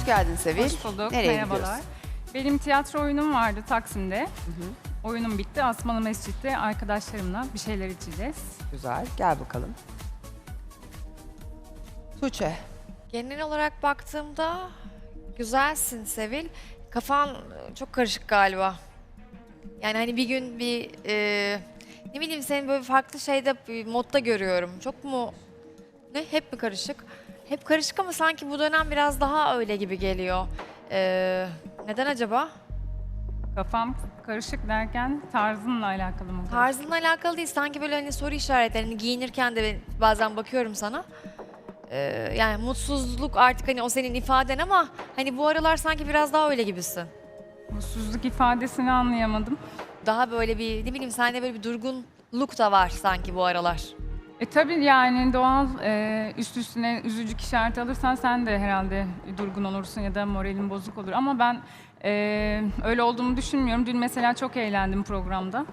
Hoş geldin Sevil. Hoş bulduk, Nereye merhabalar. gidiyorsun? Benim tiyatro oyunum vardı Taksim'de. Oyunum bitti. Asmalı Mescid'de arkadaşlarımla bir şeyler içeceğiz. Güzel, gel bakalım. Tuğçe. Genel olarak baktığımda güzelsin Sevil. Kafan çok karışık galiba. Yani hani bir gün ne bileyim seni böyle farklı şeyde bir modda görüyorum. Çok mu hep mi karışık? Hep karışık ama sanki bu dönem biraz daha öyle gibi geliyor. Neden acaba? Kafam karışık derken tarzınla alakalı mı? Tarzınla alakalı değil. Sanki böyle hani soru işaretlerini giyinirken de bazen bakıyorum sana. Yani mutsuzluk artık hani o senin ifaden ama hani bu aralar sanki biraz daha öyle gibisin. Mutsuzluk ifadesini anlayamadım. Daha böyle bir ne bileyim sende böyle bir durgunluk da var sanki bu aralar. Tabii yani doğal üst üstüne üzücü işareti alırsan sen de herhalde durgun olursun ya da moralin bozuk olur. Ama ben öyle olduğumu düşünmüyorum. Dün mesela çok eğlendim programda.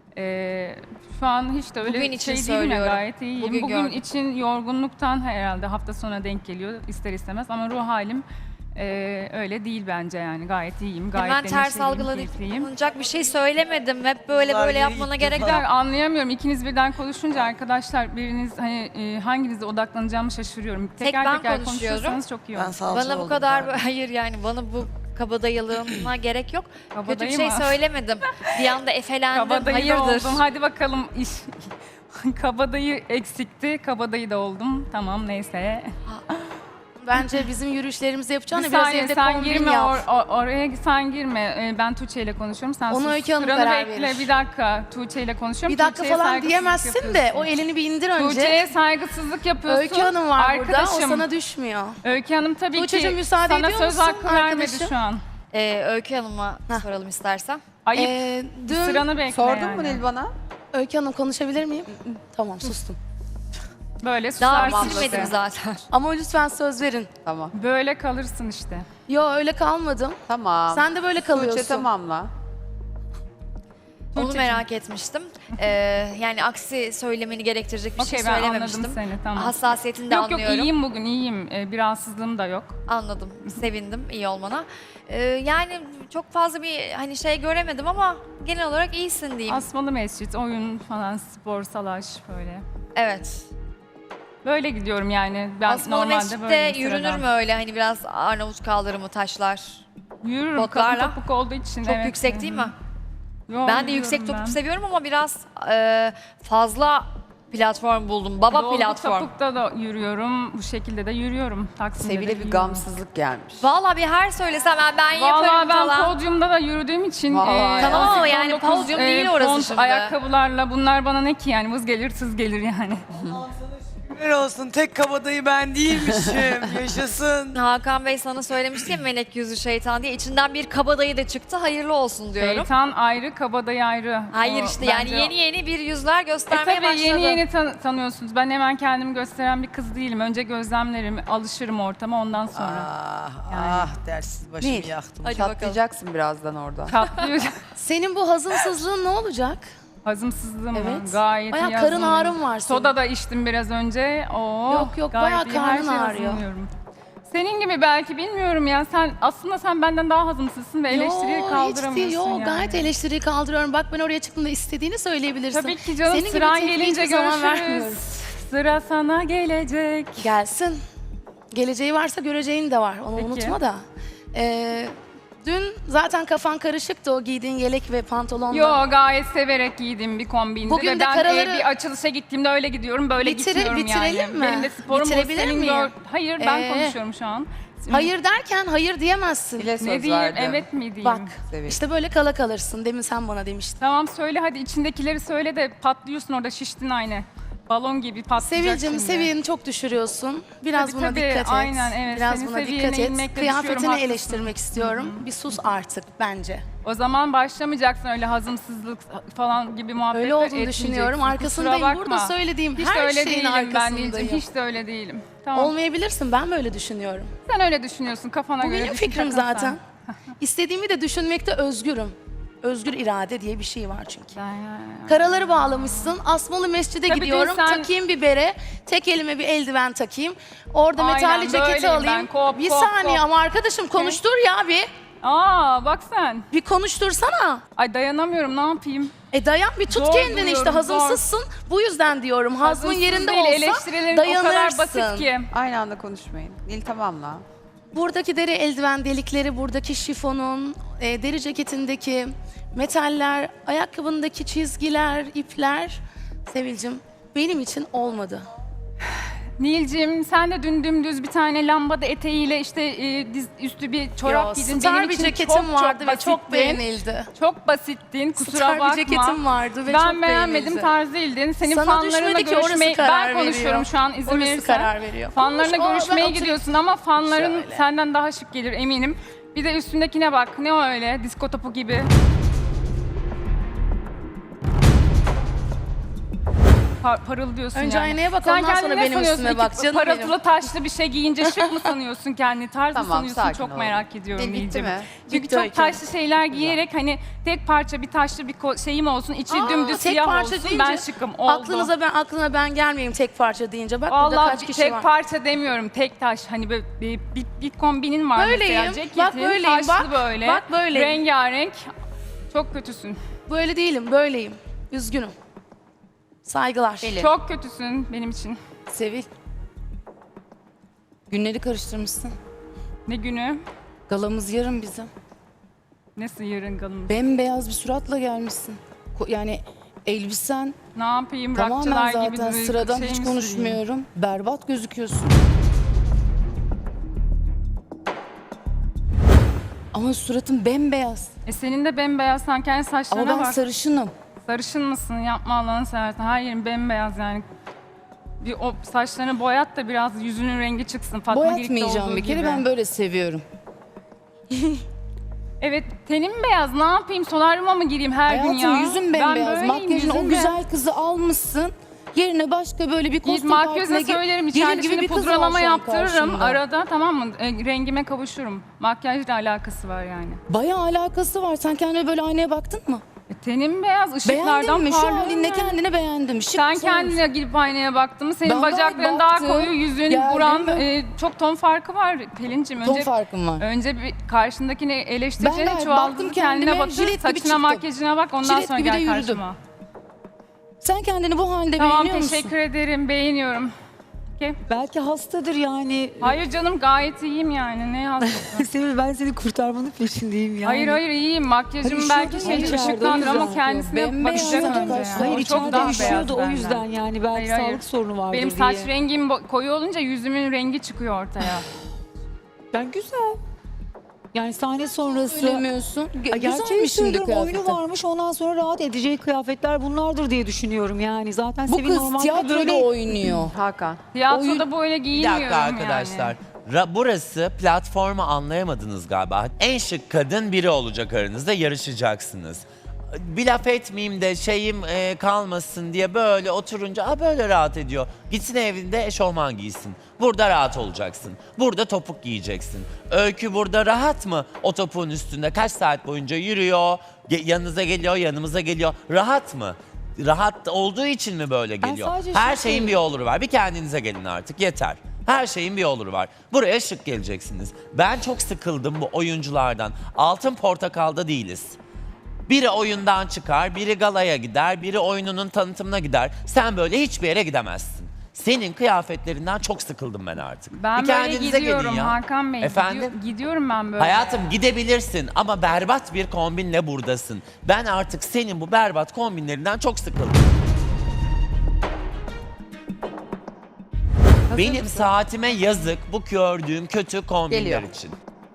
Şu an hiç de öyle Bugün için şey değilim ya, söylüyorum. gayet iyiyim. Bugün gördüm. için yorgunluktan herhalde hafta sonuna denk geliyor ister istemez. Ama ruh halim öyle değil bence yani. Gayet iyiyim, gayet Hemen ters neşeliyim, keyifliyim. algılanacak bir şey söylemedim. Hep böyle yapmana gerek yok. Anlayamıyorum. İkiniz birden konuşunca arkadaşlar biriniz hani hanginize odaklanacağımı şaşırıyorum. Teker ben teker konuşuyorum. konuşursanız çok iyi olur. Bana bu kadar hayır yani bana bu kabadayılığına gerek yok. Kötü bir Kabadayı şey mı? söylemedim. Bir anda efelendim. Kabadayı da Hayırdır? oldum. Hadi bakalım iş. Kabadayı eksikti. Kabadayı da oldum. Tamam neyse. Bence bizim yürüyüşlerimizi Bir yapacağına biraz saniye evde sen kombin girme yap. oraya sen girme. Ben Tuğçe ile konuşuyorum. Sen Onu sus. Öykü Hanım Sıranı karar bekle. verir. Bir dakika. Tuğçe ile konuşuyorum. Bir dakika Tuğçe'ye falan saygısızlık diyemezsin de yapıyorsun. o elini bir indir önce. Tuğçe'ye saygısızlık yapıyorsun. Öykü Hanım var burada, o Arkadaşım, sana düşmüyor. Öykü Hanım tabii Tuğçe'cim ki müsaade sana ediyor söz musun hakkı vermedi arkadaşım? şu an. Öykü Hanım'a soralım istersen. Ayıp. Dün Sıranı bekle Sordun yani. mu Nilban'a? Öykü Hanım konuşabilir miyim? Tamam sustum. Böyle Daha susarsın bitirmedim işte. zaten. Ama lütfen söz verin. Tamam. Böyle kalırsın işte. Yo öyle kalmadım. Tamam. Sen de böyle kalıyorsun. Tuğçe tamamla. Onu Tuğçe'cim. merak etmiştim. Yani aksi söylemeni gerektirecek bir Okey, şey ben söylememiştim. anladım seni, tamam. Hassasiyetini de Yok anlıyorum. iyiyim bugün iyiyim. Bir rahatsızlığım da yok. Anladım. Sevindim iyi olmana. Yani çok fazla bir hani şey göremedim ama genel olarak iyisin diyeyim. Asmalı Mescit, oyun falan, spor, salaş böyle. Evet. Böyle gidiyorum yani. Ben Asmalı normalde Mescid'de böyleyim yürünür sıradan. mü öyle hani biraz Arnavut kaldırımı taşlar? Yürürüm Botlarla? kapı topuk olduğu için. Çok evet. yüksek değil mi? Yo, Ben de yüksek yürüyorum topuk ben. seviyorum ama biraz fazla platform buldum. Baba Dolgu platform. topukta da yürüyorum. Bu şekilde de yürüyorum. Taksim'de de Sevil'e bir yürüyorum. gamsızlık gelmiş. Valla bir her söylesem ben yaparım Vallahi ben falan. podyumda da yürüdüğüm için Vay. Tamam ama 18-19, yani podyum değil orası font şimdi. ayakkabılarla bunlar bana ne ki yani vız gelir tız gelir yani. Şükürler olsun tek kabadayı ben değilmişim. Yaşasın. Hakan Bey sana söylemişti ya melek yüzü şeytan diye. İçinden bir kabadayı da çıktı. Hayırlı olsun diyorum. Şeytan ayrı, kabadayı ayrı. Hayır O işte yani bence- yeni bir yüzler göstermeye tabii başladı. yeni tanıyorsunuz. Ben hemen kendimi gösteren bir kız değilim. Önce gözlemlerim, alışırım ortama ondan sonra. Ah dersiz başımı Nil. yaktım. Hadi bakalım. Çatlayacaksın birazdan orada. Tatlıyor. Senin bu hazımsızlığın ne olacak? Hazımsızlığım Evet. gayet Bayağı iyi karın hazırlanıyorum. ağrın var senin. Soda da içtim biraz önce. Oo, Yok, gayet bayağı iyi. Her karnın şeye ağrıyor. hazırlanıyorum. Senin gibi belki bilmiyorum ya. Sen benden daha hazımsızsın ve eleştiriyi Yo, kaldıramıyorsun hiç değil. Yo, yani. gayet eleştiriyi kaldırıyorum. Bak ben oraya çıktığımda istediğini söyleyebilirsin. Tabii ki canım, Senin gibi sıran tepkiyi gelince hiçbir zaman görüşürüz. vermiyorum. Sıra sana gelecek. Gelsin. Geleceği varsa göreceğin de var. Onu Peki. unutma da. Dün zaten kafan karışıktı o giydiğin yelek ve pantolonla. Yo, gayet severek giydiğim bir kombindi. Bugün ve de ben karaları- bir açılışa gittiğimde öyle gidiyorum, böyle gitmiyorum yani. bitirelim mi? Benim de sporum bu, Bitirebilir senin miyim? Hayır, ben konuşuyorum şu an. Hayır derken hayır diyemezsin. Bile söz Ne diyeyim, verdim. evet mi diyeyim? Bak Sevil. işte böyle kala kalırsın. Demin sen bana demiştin. Tamam söyle hadi, içindekileri söyle de patlıyorsun orada, şiştin aynı. Balon gibi patlayacak Sevilcim şimdi. seviyeni çok düşürüyorsun. Biraz Tabii, buna tabii, dikkat et. aynen, evet. Biraz Senin buna seviyene dikkat et. inmekle Kıyafetini düşüyorum, haklısın. eleştirmek istiyorum. Bir sus artık bence. O zaman başlamayacaksın öyle hazımsızlık falan gibi muhabbetler Öyle olduğunu etmeyeceksin. düşünüyorum. Kusura Arkasındayım. bakma. Burada söylediğim Hiç de her öyle şeyin değilim ben arkasındayım. Nilcim, hiç de öyle değilim. Tamam. Olmayabilirsin. Ben böyle düşünüyorum. Sen öyle düşünüyorsun, kafana Bu göre benim düşün, fikrim takıl sen. zaten. İstediğimi de düşünmekte özgürüm. Özgür irade diye bir şey var çünkü. Ya. Karaları bağlamışsın. Asmalı Mescid'e Tabii gidiyorum. değil, sen- Takayım bir bere. Tek elime bir eldiven takayım. Orada Aynen, metalli ceketi böyleyim ben. alayım. Kop, bir kop, saniye kop. ama arkadaşım konuştur ya bir. Aa bak sen. Bir konuştursana. Ay dayanamıyorum, ne yapayım? Dayan bir tut Zor kendini işte buluyorum, hazımsızsın. Bu yüzden diyorum hazmın Hazımsız yerinde değil, olsa eleştirilerin dayanırsın. o kadar basit ki. Aynı anda konuşmayın. Nil tamamla. Buradaki deri eldiven delikleri, buradaki şifonun, deri ceketindeki metaller, ayakkabındaki çizgiler, ipler Sevilcim benim için olmadı. Nilcim sen de dün dümdüz bir tane lambada eteğiyle işte üstü bir çorap giydin. Star Benim bir için ceketim vardı ve basittin. çok beğenildi. Çok basittin, kusura Star bakma. bir ceketim vardı ve Ben çok beğenmedim, beğenildi. tarz değildin. Senin Sana fanlarına düşmedi ki, orası görüşmeyi... karar Ben konuşuyorum veriyor. şu an izin Orası verirsen. karar veriyor. Fanlarına Konuş, görüşmeye ben oturayım. gidiyorsun ama fanların Şöyle. senden daha şık gelir eminim. Bir de üstündekine bak, ne o öyle, disko topu gibi. Parıldıyorsun Önce yani. aynaya bak, Sen ondan sonra kendine benim sanıyorsun üstüme ki bak canım parıltılı benim. taşlı bir şey giyince şık mı sanıyorsun kendini? Tarz mı Tamam, sanıyorsun? sakin Çok ol. merak ediyorum Bitti Nilcim. mi? Çünkü Bitti çok Öykü. taşlı şeyler giyerek hani tek parça bir taşlı bir şeyim olsun, içi dümdüz Tek siyah parça olsun, deyince ben şıkım. Oldu. aklına ben gelmeyeyim tek parça deyince. Bak burada Vallahi kaç kişi tek var. parça demiyorum, tek taş. Hani böyle bir kombinin var Böyleyim, mesela. Ceketin, bak böyleyim, taşlı bak, böyle. bak böyleyim. Rengarenk. Çok kötüsün. Böyle değilim, böyleyim. Üzgünüm. Saygılar. Çok kötüsün benim için. Sevil. Günleri karıştırmışsın. Ne günü? Galamız yarın bizim. Nasıl yarın galım? Bembeyaz bir suratla gelmişsin. Yani elbisen Ne yapayım? tamamen Rockçılar gibi zaten bir sıradan şey hiç mi konuşmuyorum. Berbat gözüküyorsun. Ama suratın bembeyaz. Senin de bembeyaz, sen kendi Ama saçlarına ben bak. sarışınım. Sarışın mısın? Yapma Allah'ını seversen. Her yerin bembeyaz yani. Bir o saçlarını boyat da biraz yüzünün rengi çıksın. Fatma Girik'te Boyatmayacağım olduğu bir kere, gibi. ben böyle seviyorum. Evet, tenim beyaz. Ne yapayım? Solaryuma mı gireyim her gün ya? Hayatım yüzün Ben bembeyaz. böyleyim, Makyajın o yüzüm güzel kızı almışsın. Yerine başka böyle bir kostüm Makyaja partine söylerim. gelir İçeride gibi şimdi bir kız var pudralama şu an yaptırırım karşımda. arada, tamam mı? Rengime kavuşurum. Makyajla alakası var yani. Bayağı alakası var. Sen kendine böyle aynaya baktın mı? Tenim beyaz, ışıklardan Beğendin mi? Şu parlıyor halinle yani. kendine beğendim. Şık Sen güzel kendine gidip aynaya baktın mı? Senin Ben bacakların daha baktım, koyu, yüzün, geldim buran mi? çok ton farkı var Pelin'cim. ton farkım var. Önce bir karşındakini Ben eleştireceğine gayet çuvaldızı baktım kendine kendime, batır, jilet gibi saçına çıktım. makyajına bak, ondan Jilet sonra gibi de gel yürüdüm. karşıma. Sen kendini bu halde Tamam, beğeniyor musun? teşekkür ederim, beğeniyorum. Okay. Belki hastadır yani. Hayır canım, gayet iyiyim yani, ne hastası. Sevil, ben seni kurtarmanın peşindeyim yani. Hayır hayır, iyiyim. Makyajım Hayır, belki üşüyordu ya, şey içeride, ışıklandır o ama yüzden. kendisine Bembeyaz bakacak zaten önce. kaşlar. Hayır, O çok içeride daha üşüyordu o beyaz yüzden benden. yani. Belki Hayır, hayır. sağlık sorunu vardır Benim diye. saç rengim koyu olunca yüzümün rengi çıkıyor ortaya. Ben güzel. Yani sahne sonrası... Söylemiyorsun. Ay, gerçeği Güzelmiş şimdi söylüyorum, oyunu kıyafeti. varmış, ondan sonra rahat edeceği kıyafetler bunlardır diye düşünüyorum yani. Zaten Bu Sevil kız normalde tiyatroda böyle... oynuyor. Hakan. Tiyatroda böyle Bir giyinmiyorum dakika arkadaşlar. yani. Burası platformu anlayamadınız galiba. En şık kadın biri olacak aranızda, yarışacaksınız. Bir laf etmeyeyim de şeyim kalmasın diye böyle oturunca böyle rahat ediyor. Gitsin evinde eşofman giysin. Burada rahat olacaksın. Burada topuk giyeceksin. Öykü burada rahat mı? O topuğun üstünde kaç saat boyunca yürüyor, yanınıza geliyor, yanımıza geliyor. Rahat mı? Rahat olduğu için mi böyle geliyor? sadece Her şık şeyin değilim. bir oluru var. Bir kendinize gelin artık, yeter. Her şeyin bir oluru var. Buraya şık geleceksiniz. Ben çok sıkıldım bu oyunculardan. Altın Portakal'da değiliz. Biri oyundan çıkar, biri galaya gider, biri oyununun tanıtımına gider. Sen böyle hiçbir yere gidemezsin. Senin kıyafetlerinden çok sıkıldım ben artık. Ben Bir böyle kendinize gidiyorum gelin ya. Hakan Bey. Efendim? Gidiyorum ben böyle. Hayatım gidebilirsin ama berbat bir kombinle buradasın. Ben artık senin bu berbat kombinlerinden çok sıkıldım. Benim saatime yazık bu gördüğüm kötü kombinler Geliyor. için.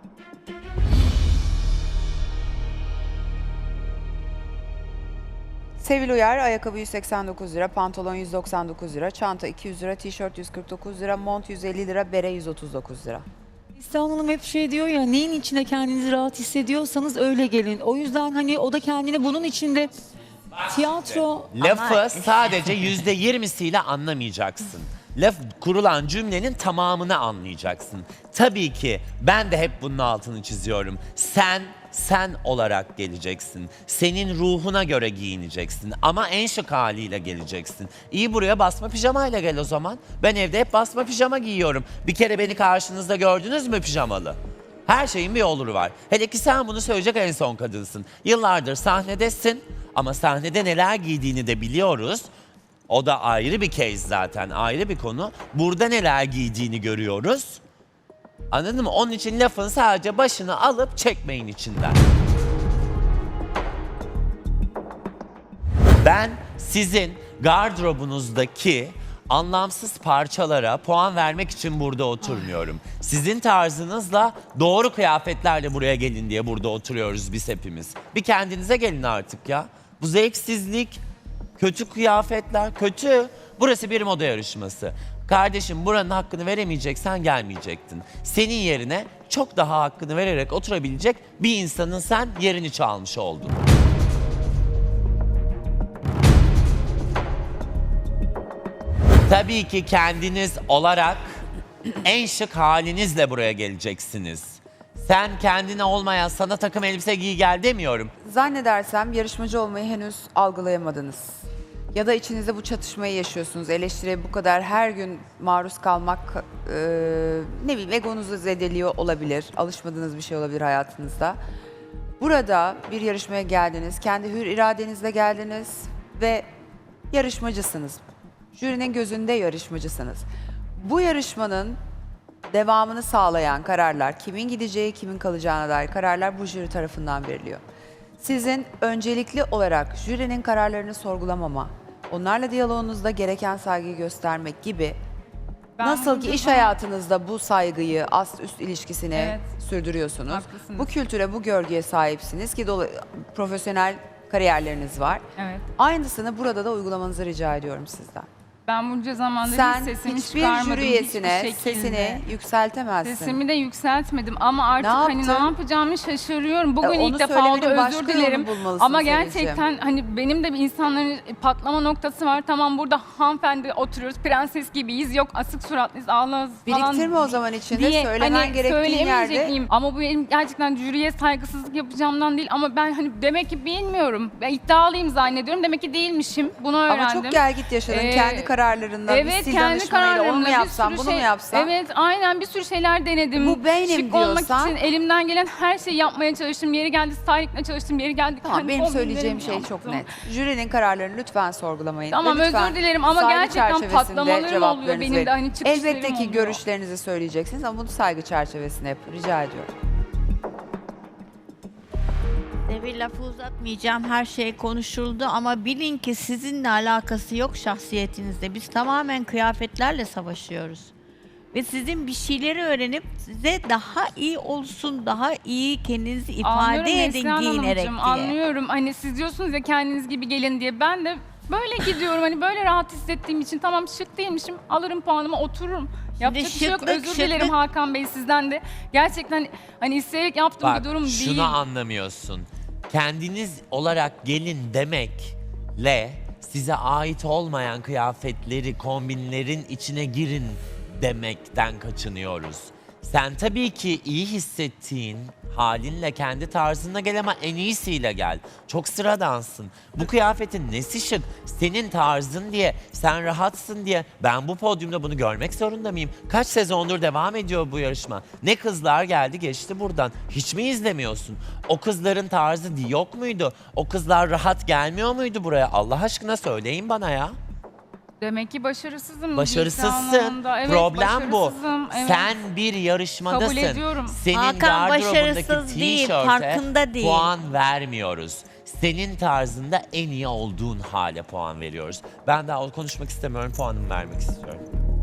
Sevil Uyar, ayakkabı 189 lira, pantolon 199 lira, çanta 200 lira, tişört 149 lira, mont 150 lira, bere 139 lira. İhsan Hanım hep şey diyor ya, neyin içinde kendinizi rahat hissediyorsanız öyle gelin. O yüzden hani o da kendini bunun içinde tiyatro... Lafı sadece %20'siyle anlamayacaksın. Laf kurulan cümlenin tamamını anlayacaksın. Tabii ki ben de hep bunun altını çiziyorum. Sen sen olarak geleceksin. Senin ruhuna göre giyineceksin ama en şık haliyle geleceksin. İyi, buraya basma pijamayla gel o zaman. Ben evde hep basma pijama giyiyorum. Bir kere beni karşınızda gördünüz mü pijamalı? Her şeyin bir oluru var. Hele ki sen bunu söyleyecek en son kadınsın. Yıllardır sahnedesin ama sahnede neler giydiğini de biliyoruz. O da ayrı bir case zaten, ayrı bir konu. Burada neler giydiğini görüyoruz. Anladın mı? Onun için lafın sadece başını alıp çekmeyin içinden. Ben sizin gardırobunuzdaki anlamsız parçalara puan vermek için burada oturmuyorum. Sizin tarzınızla doğru kıyafetlerle buraya gelin diye burada oturuyoruz biz hepimiz. Bir kendinize gelin artık ya. Bu zevksizlik, kötü kıyafetler, kötü. Burası bir moda yarışması. Kardeşim, buranın hakkını veremeyeceksen gelmeyecektin. Senin yerine çok daha hakkını vererek oturabilecek bir insanın sen yerini çalmış oldun. Tabii ki kendiniz olarak en şık halinizle buraya geleceksiniz. Sen kendine olmayan sana takım elbise giy gel demiyorum. Zannedersem yarışmacı olmayı henüz algılayamadınız. Ya da içinizde bu çatışmayı yaşıyorsunuz. Eleştiriye bu kadar her gün maruz kalmak, ne bileyim, egonuzu zedeliyor olabilir. Alışmadığınız bir şey olabilir hayatınızda. Burada bir yarışmaya geldiniz. Kendi hür iradenizle geldiniz ve yarışmacısınız. Jürinin gözünde yarışmacısınız. Bu yarışmanın devamını sağlayan kararlar, kimin gideceği, kimin kalacağına dair kararlar bu jüri tarafından veriliyor. Sizin öncelikli olarak jürinin kararlarını sorgulamama, onlarla diyaloğunuzda gereken saygıyı göstermek gibi, Ben nasıl ki bunca iş zaman- hayatınızda bu saygıyı, ast-üst ilişkisini Evet. sürdürüyorsunuz. Haklısınız. Bu kültüre, bu görgüye sahipsiniz ki profesyonel kariyerleriniz var. Evet. Aynısını burada da uygulamanızı rica ediyorum sizden. Ben bunca zamandır Sen hiç sesimi hiçbir çıkarmadım. jüri üyesine hiçbir şekilde. sesini yükseltemezsin. Sesimi de yükseltmedim ama artık hani ne yaptın? yapacağımı şaşırıyorum. Bugün onu ilk defa söylemenin oldu, başka özür yolunu dilerim. bulmalısın Ama Sevil'ciğim. gerçekten hani benim de bir insanların patlama noktası var. Tamam, burada hanımefendi oturuyoruz, prenses gibiyiz. Yok asık suratlıyız, ağlarız falan. Biriktirme o zaman içinde, diye söylemen hani gerektiğin söyleyemeyecek yerde. miyim? Ama bu benim gerçekten jüriye saygısızlık yapacağımdan değil. Ama ben hani demek ki bilmiyorum. Ben iddialıyım zannediyorum. Demek ki değilmişim. Bunu öğrendim. Ama çok gel git yaşadın. Kendi kararlarınla, bir Evet, sil kendi danışmayla onu mu kararlarımla bir yapsam, sürü bunu şey, mu yapsam? Evet, aynen bir sürü şeyler denedim. Bu benim Şık olmak diyorsan- için elimden gelen her şeyi yapmaya çalıştım. Yeri geldi stylingle çalıştım, yeri geldi Tamam, kendi benim söyleyeceğim kombinlerimi şey çok yaptım. net. Jürinin kararlarını lütfen sorgulamayın. Tamam, Ve lütfen özür dilerim ama saygı gerçekten çerçevesinde patlamalarım oluyor cevaplarınızı benim de, verin. hani çıkışlarım Elbette ki oluyor. görüşlerinizi söyleyeceksiniz ama bunu saygı çerçevesinde yapın. Rica ediyorum. Devir lafı uzatmayacağım. Her şey konuşuldu ama bilin ki sizinle alakası yok şahsiyetinizde. Biz tamamen kıyafetlerle savaşıyoruz. Ve sizin bir şeyleri öğrenip size daha iyi olsun, daha iyi kendinizi ifade Anlıyorum edin Neslihan giyinerek Hanımcığım, diye. anlıyorum. Hani siz diyorsunuz ya kendiniz gibi gelin diye. Ben de böyle gidiyorum. Hani böyle rahat hissettiğim için tamam şık değilmişim. Alırım puanımı, otururum. Yapacak bir şey yok. şıklık, Özür dilerim şıklık. Hakan Bey sizden de. Gerçekten hani isteyerek yaptığım Bak, bir durum şunu değil. anlamıyorsun. Kendiniz olarak gelin demekle size ait olmayan kıyafetleri, kombinlerin içine girin demekten kaçınıyoruz. Sen tabii ki iyi hissettiğin halinle, kendi tarzınla gel ama en iyisiyle gel. Çok sıradansın. Bu kıyafetin nesi şık? Senin tarzın diye, sen rahatsın diye ben bu podyumda bunu görmek zorunda mıyım? Kaç sezondur devam ediyor bu yarışma? Ne kızlar geldi geçti buradan. Hiç mi izlemiyorsun? O kızların tarzı yok muydu? O kızlar rahat gelmiyor muydu buraya? Allah aşkına söyleyin bana ya. Demek ki başarısızım. Başarısızsın. giysi anlamında. Evet, Problem bu. başarısızım. Evet. Sen bir yarışmadasın. Kabul ediyorum. Senin Hakan gardırobundaki başarısız değil, tişörte farkında değil. puan vermiyoruz. Senin tarzında en iyi olduğun hale puan veriyoruz. Ben daha konuşmak istemiyorum, puanımı vermek istiyorum.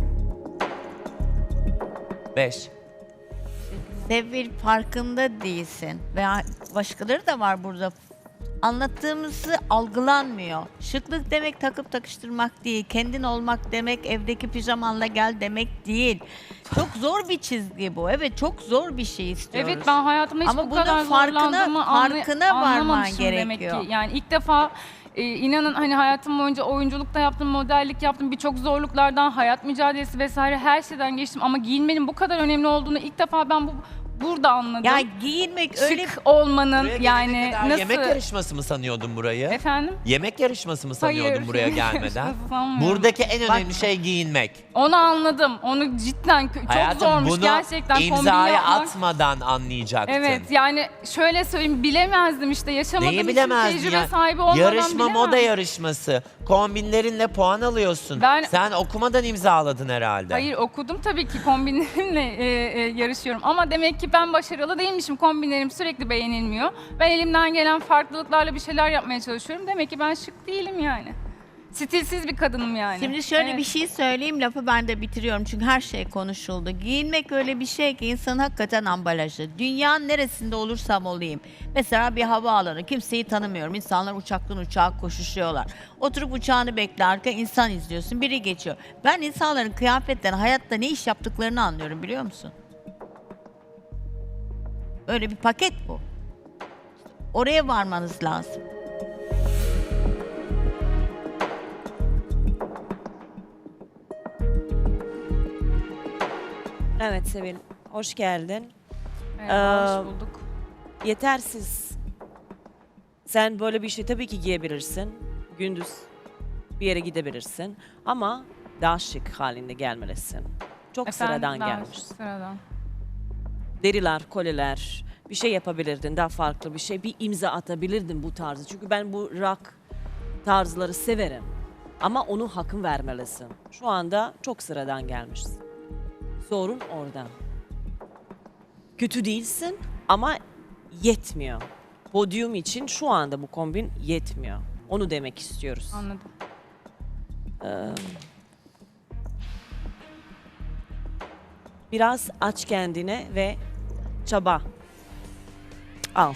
5. Devir farkında değilsin. Veya başkaları da var burada. Anlattığımızı algılanmıyor. Şıklık demek takıp takıştırmak değil. Kendin olmak demek evdeki pijamanla gel demek değil. Çok zor bir çizgi bu. Evet, çok zor bir şey istiyoruz. Evet, ben hayatımda hiç Ama bu bunun kadar farkına varman anlamamışım gerekiyor. demek ki. Yani ilk defa inanın hani hayatım boyunca oyunculukta yaptım, modellik yaptım, birçok zorluklardan, hayat mücadelesi vesaire her şeyden geçtim ama giyinmenin bu kadar önemli olduğunu ilk defa ben burada anladım. Ya giyinmek öyle Şık olmanın Buraya gelene yani kadar nasıl... yemek yarışması mı sanıyordun burayı? Efendim? Yemek yarışması mı sanıyordun Hayır, buraya yemek gelmeden? yarışması sanmıyorum. Buradaki en önemli şey giyinmek. Onu anladım. Onu cidden çok Hayatım zormuş bunu gerçekten kombin imzaya yapmak. atmadan anlayacaktın. Evet yani şöyle söyleyeyim bilemezdim işte yaşamadığım Neyi için bilemezdin tecrübe ya? sahibi olmadan Yarışma moda bilemem. yarışması. Kombinlerinle puan alıyorsun. Ben- Sen okumadan imzaladın herhalde. Hayır okudum tabii ki kombinlerimle yarışıyorum ama demek ki ben başarılı değilmişim. Kombinlerim sürekli beğenilmiyor. Ben elimden gelen farklılıklarla bir şeyler yapmaya çalışıyorum. Demek ki ben şık değilim yani. Stilsiz bir kadınım yani. Şimdi şöyle Evet. bir şey söyleyeyim, lafı ben de bitiriyorum çünkü her şey konuşuldu. Giyinmek öyle bir şey ki insanın hakikaten ambalajı. Dünyanın neresinde olursam olayım. Mesela bir havaalanı, kimseyi tanımıyorum. İnsanlar uçaktan uçağa koşuşuyorlar. Oturup uçağını beklerken insan izliyorsun, biri geçiyor. Ben insanların kıyafetten, hayatta ne iş yaptıklarını anlıyorum, biliyor musun? Öyle bir paket bu. Oraya varmanız lazım. Evet Sevil, hoş geldin. Merhaba, hoş bulduk. Yetersiz. Sen böyle bir şey tabii ki giyebilirsin. Gündüz bir yere gidebilirsin. Ama daha şık halinde gelmelisin. Çok Efendim, sıradan daha gelmiş. Sıradan. Deriler, kolyeler, bir şey yapabilirdin, daha farklı bir şey. Bir imza atabilirdin bu tarzı. Çünkü ben bu rock tarzları severim. Ama onu hakkın vermelisin. Şu anda çok sıradan gelmişsin. Sorun orada. Kötü değilsin ama yetmiyor. Podyum için şu anda bu kombin yetmiyor. Onu demek istiyoruz. Anladım. Biraz aç kendine ve çaba. Al.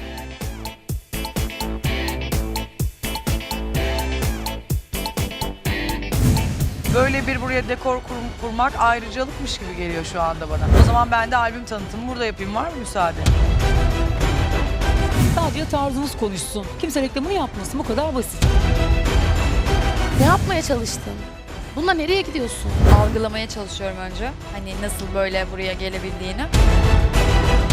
Böyle bir buraya dekor kurmak ayrıcalıkmış gibi geliyor şu anda bana. O zaman ben de albüm tanıtımı burada yapayım. Var mı müsaade? Sadece tarzınız konuşsun. Kimse reklamını yapmasın. Bu kadar basit. Ne yapmaya çalıştın? Bununla nereye gidiyorsun? Algılamaya çalışıyorum önce. Hani nasıl böyle buraya gelebildiğini.